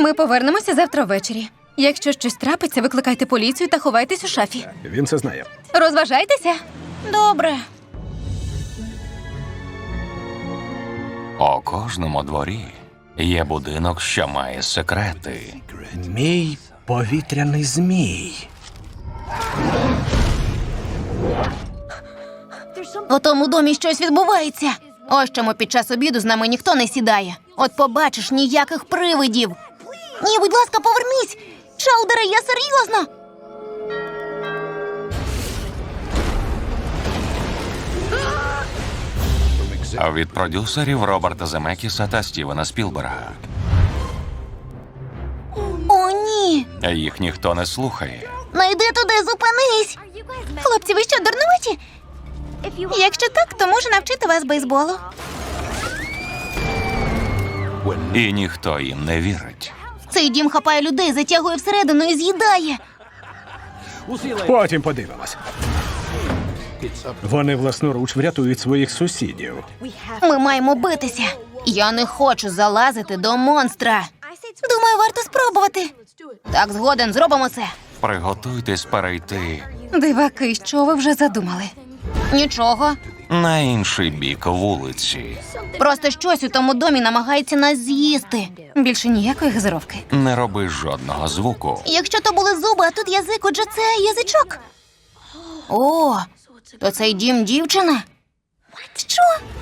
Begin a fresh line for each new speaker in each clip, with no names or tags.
Ми повернемося завтра ввечері. Якщо щось трапиться, викликайте поліцію та ховайтесь у шафі.
Він це знає.
Розважайтеся. Добре.
У кожному дворі є будинок, що має секрети.
Мій повітряний змій.
У тому домі щось відбувається. Ось чому під час обіду з нами ніхто не сідає. От побачиш, ніяких привидів. Ні, будь ласка, повернись! Чаудере, я серйозно!
Від продюсерів Роберта Земекіса та Стівена Спілберга.
О, ні!
Їх ніхто не слухає.
Не йди туди, зупинись! Хлопці, ви що, дурнуваті? Якщо так, то можу навчити вас бейсболу.
І ніхто їм не вірить.
Цей дім хапає людей, затягує всередину і з'їдає.
Потім подивимось. Вони власноруч врятують своїх сусідів.
Ми маємо битися. Я не хочу залазити до монстра. Думаю, варто спробувати. Так, згоден, зробимо це.
Приготуйтесь перейти
Диваки, що ви вже задумали? Нічого.
на інший бік вулиці.
Просто щось у тому домі намагається нас з'їсти. Більше ніякої газировки.
Не роби жодного звуку.
Якщо то були зуби, а тут язик, отже це язичок. О, то цей дім дівчина? Що?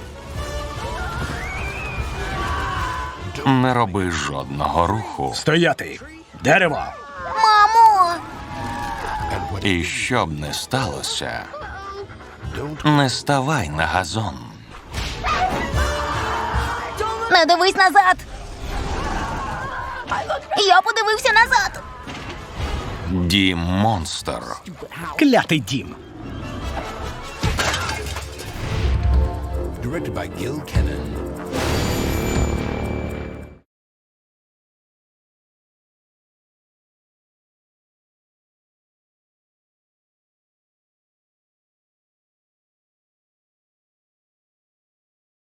Не роби жодного руху.
Стояти! Дерево!
Мамо!
І що б не сталося, не ставай на газон.
Не дивись назад! Я подивився назад!
Дім монстр.
Клятий дім!
Directed by Gil Kennan.